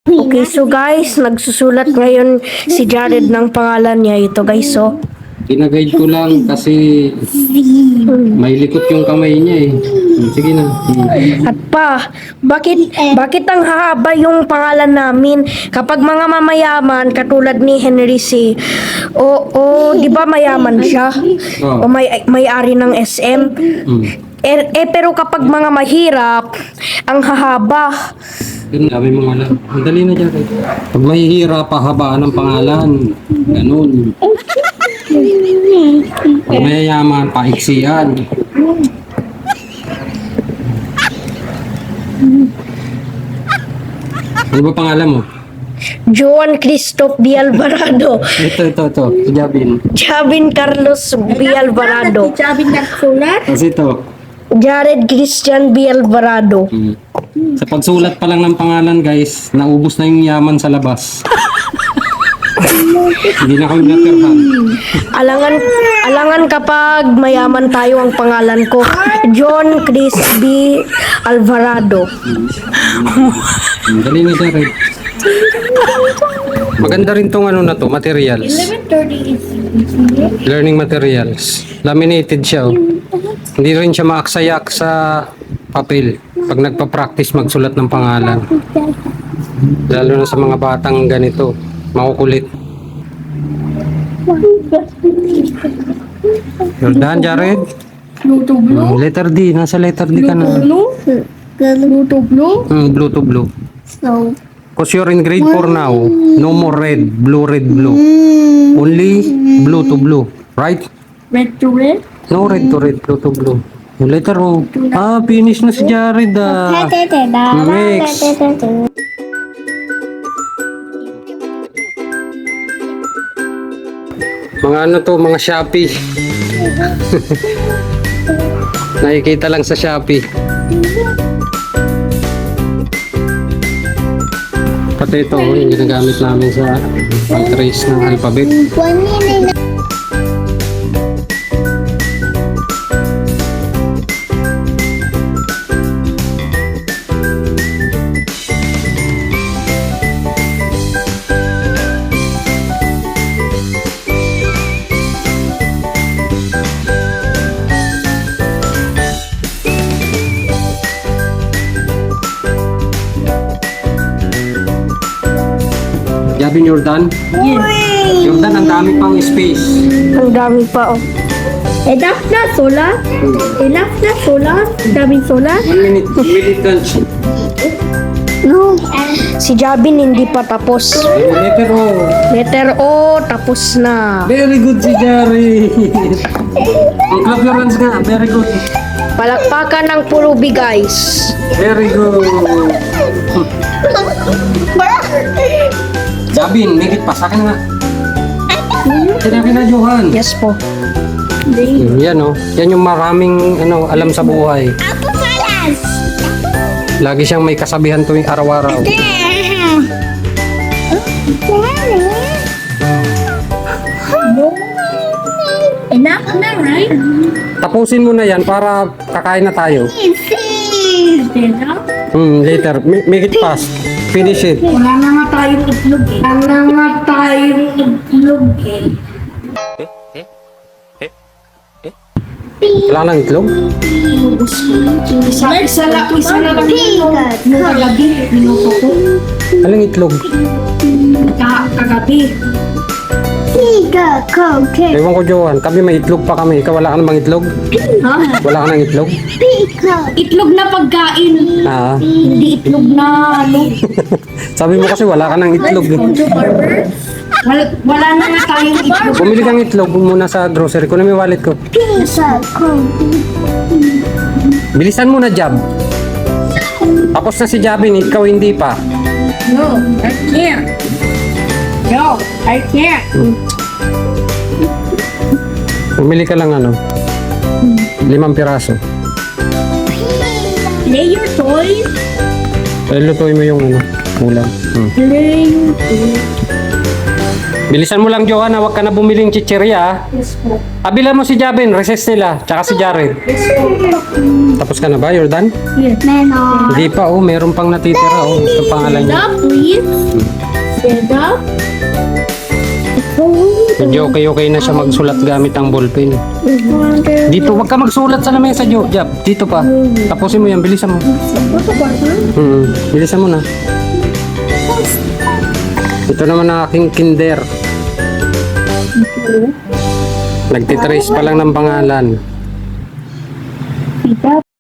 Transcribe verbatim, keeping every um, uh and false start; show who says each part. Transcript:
Speaker 1: Okay, so guys, nagsusulat ngayon si Jared ng pangalan niya. Ito guys, so.
Speaker 2: Ginaguide ko lang kasi may likot yung kamay niya eh. Sige na.
Speaker 1: At pa, bakit, bakit ang hahaba yung pangalan namin? Kapag mga mamayaman, katulad ni Henry C. O, o di ba mayaman siya? O may, may-ari ng S M?
Speaker 2: Hmm.
Speaker 1: Eh, eh, pero kapag mga mahirap, ang hahaba.
Speaker 2: Ganun, dami mga alam. Ang dali na dyan. Pag mahihirap, pahabaan ng pangalan. Ganun. Pag mayayaman, paiksian. Ano ba pangalan mo?
Speaker 1: Joan Christoph B. Alvarado.
Speaker 2: Ito, ito, ito. Jabin.
Speaker 1: Javin Carlos B. Alvarado.
Speaker 3: Sabi nagsulat.
Speaker 2: Kasi ito.
Speaker 1: Jared Christian B. Alvarado.
Speaker 2: Hmm. Sa pagsulat pa lang ng pangalan, guys, naubos na yung yaman sa labas. Hindi na kami natirhan.
Speaker 1: Alangan, alangan kapag mayaman tayo ang pangalan ko. John Chris B. Alvarado.
Speaker 2: Hmm, dali na dyan, Red. Maganda rin tong ano na to, materials.
Speaker 3: eleven thirty is
Speaker 2: Learning materials. Laminated siya, oh. Hindi rin siya maaksayak sa papel pag nagpa-practice magsulat ng pangalan. Lalo na sa mga batang ganito, makukulit. Jordan, Jared?
Speaker 3: blue to blue.
Speaker 2: Hmm, letter D, nasa letter D ka na.
Speaker 3: Blue. Blue to blue.
Speaker 2: Hmm, blue to blue.
Speaker 3: So,
Speaker 2: Because you're in grade four now, no more red, blue, red, blue. Only blue to blue, right?
Speaker 3: red to red.
Speaker 2: No red to red, blue to blue. Yung letter O. Ah, finish na si Jared ah. Next. Mga ano to, mga Shopee. Nakikita lang sa Shopee. Pati ito, oh, yung ginagamit namin sa pag-trace ng alphabet. Yabin Jordan?
Speaker 3: Yes.
Speaker 2: Jordan, ang dami pang space.
Speaker 1: Ang dami pa, oh.
Speaker 3: Enough na solar. Enough na solar. Daming solar.
Speaker 2: One minute, one minute lunch.
Speaker 1: No. Si Javin hindi pa tapos.
Speaker 2: Letter O.
Speaker 1: Letter O, tapos na.
Speaker 2: Very good si Jerry. Ang clap your hands nga. Very good.
Speaker 1: Palakpakan ng Purubi, guys.
Speaker 2: Very good. Jabin, make it pa. Sa akin nga. Sinabi na Johan.
Speaker 1: Yes po.
Speaker 2: Yan oh. Yan yung maraming ano, alam sa buhay. Lagi siyang may kasabihan tuwing araw-araw.
Speaker 3: Enough na, right?
Speaker 2: Tapusin mo na yan para kakain na tayo.
Speaker 3: Enough?
Speaker 2: Hmm, later. Ma- Make it fast. Finish it.
Speaker 3: Wala na nga tayong itlog eh. Wala na nga tayong itlog eh.
Speaker 2: Wala nang itlog?
Speaker 3: Isa, isa lang, isa na lang ito. Nung kagabi, minuto ko.
Speaker 2: Walang itlog.
Speaker 3: Ka kagabi.
Speaker 2: Ewan ko, Johan. Kami may itlog pa kami. Ikaw wala ka namang itlog?
Speaker 3: Ha?
Speaker 2: Wala ka nang itlog?
Speaker 3: Itlog na pagkain.
Speaker 2: Ah.
Speaker 3: Hindi itlog na ano.
Speaker 2: Sabi mo kasi wala ka nang itlog. Eh.
Speaker 3: Wala, wala na nga tayong itlog.
Speaker 2: Bumili kang itlog muna sa grocery. Kunin mo yung wallet ko. Bilisan mo na, Jab. Tapos na si Jabin. Ikaw hindi pa.
Speaker 3: No, I can't. No, I can't.
Speaker 2: Bumili ka lang ano. Limang piraso.
Speaker 3: Play your toys.
Speaker 2: Eh, lutuin mo yung ano. Ulam. Hmm.
Speaker 3: Play your toys.
Speaker 2: Bilisan mo lang, Johanna. Huwag ka na bumiling chichirya, ah.
Speaker 3: Yes po.
Speaker 2: Abila mo si Jabin, recess nila. Tsaka si Jared.
Speaker 3: Yes po.
Speaker 2: Tapos ka na ba? You're done?
Speaker 3: Yes. Meron.
Speaker 2: Hindi pa, oh. Meron pang natitira, oh. Ito pangalan niya.
Speaker 3: Stand up, please. Stand up.
Speaker 2: Medyo okay-okay na siya magsulat gamit ang ballpen. Dito, wag ka magsulat sa lamesa, Jo. Jab, dito pa. Tapusin mo yan, bilisan mo. Hmm, bilisan mo na. Ito naman ang aking kinder. Nagtitrace pa lang ng pangalan.